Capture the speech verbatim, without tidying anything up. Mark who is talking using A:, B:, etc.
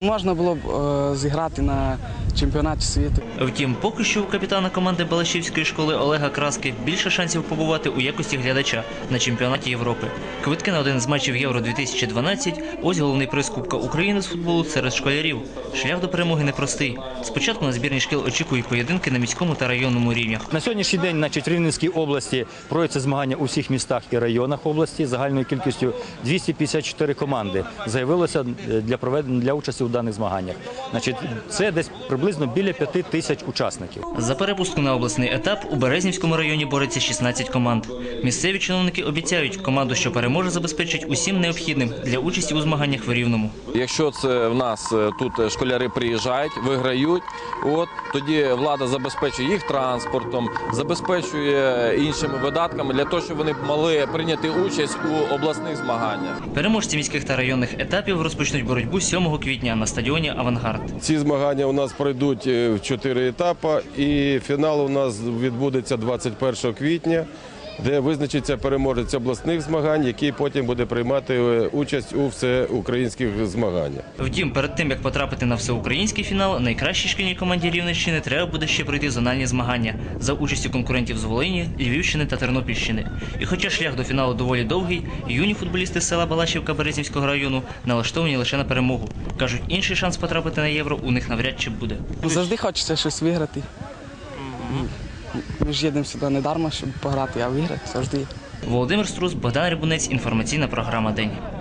A: Можна було б е, зіграти на чемпіонаті світу.
B: Втім, поки що у капітана команди Балашівської школи Олега Краски більше шансів побувати у якості глядача на чемпіонаті Європи. Квитки на один з матчів Євро дві тисячі дванадцять – ось головний приз Кубка України з футболу серед школярів. Шлях до перемоги непростий. Спочатку на збірні шкіл очікують поєдинки на міському та районному рівнях.
C: На сьогоднішній день, значить, в Рівненській області проводяться змагання у всіх містах і районах області. Загальною кількістю двісті п'ятдесят чотири команди заявилося для проведення для участі у даних змаганнях. Значить, це десь приблизно біля п'яти тисяч учасників.
B: За перепустку на обласний етап у Березнівському районі бореться шістнадцять команд. Місцеві чиновники обіцяють, команду, що переможе, забезпечить усім необхідним для участі у змаганнях в Рівному.
D: Якщо це в нас тут школяри приїжджають, виграють, от тоді влада забезпечує їх транспортом, забезпечує іншими видатками для того, щоб вони могли прийняти участь у обласних змаганнях.
B: Переможці міських та районних етапів розпочнуть боротьбу сьомого квітня на стадіоні «Авангард».
E: Ці змагання у нас пройдуть в чотири етапи, і фінал у нас відбудеться двадцять першого квітня, де визначиться переможець обласних змагань, який потім буде приймати участь у всеукраїнських змаганнях.
B: Втім, перед тим, як потрапити на всеукраїнський фінал, найкращій шкільній команді Рівненщини треба буде ще пройти зональні змагання за участю конкурентів з Волині, Львівщини та Тернопільщини. І хоча шлях до фіналу доволі довгий, юні футболісти з села Балашівка Березнівського району налаштовані лише на перемогу. Кажуть, інший шанс потрапити на Євро у них навряд чи буде.
A: Завжди хочеться щось виграти. Ми ж їдемо сюди не дарма, щоб пограти, а виграти завжди.
B: Володимир Струс, Богдан Рябунець, інформаційна програма «День».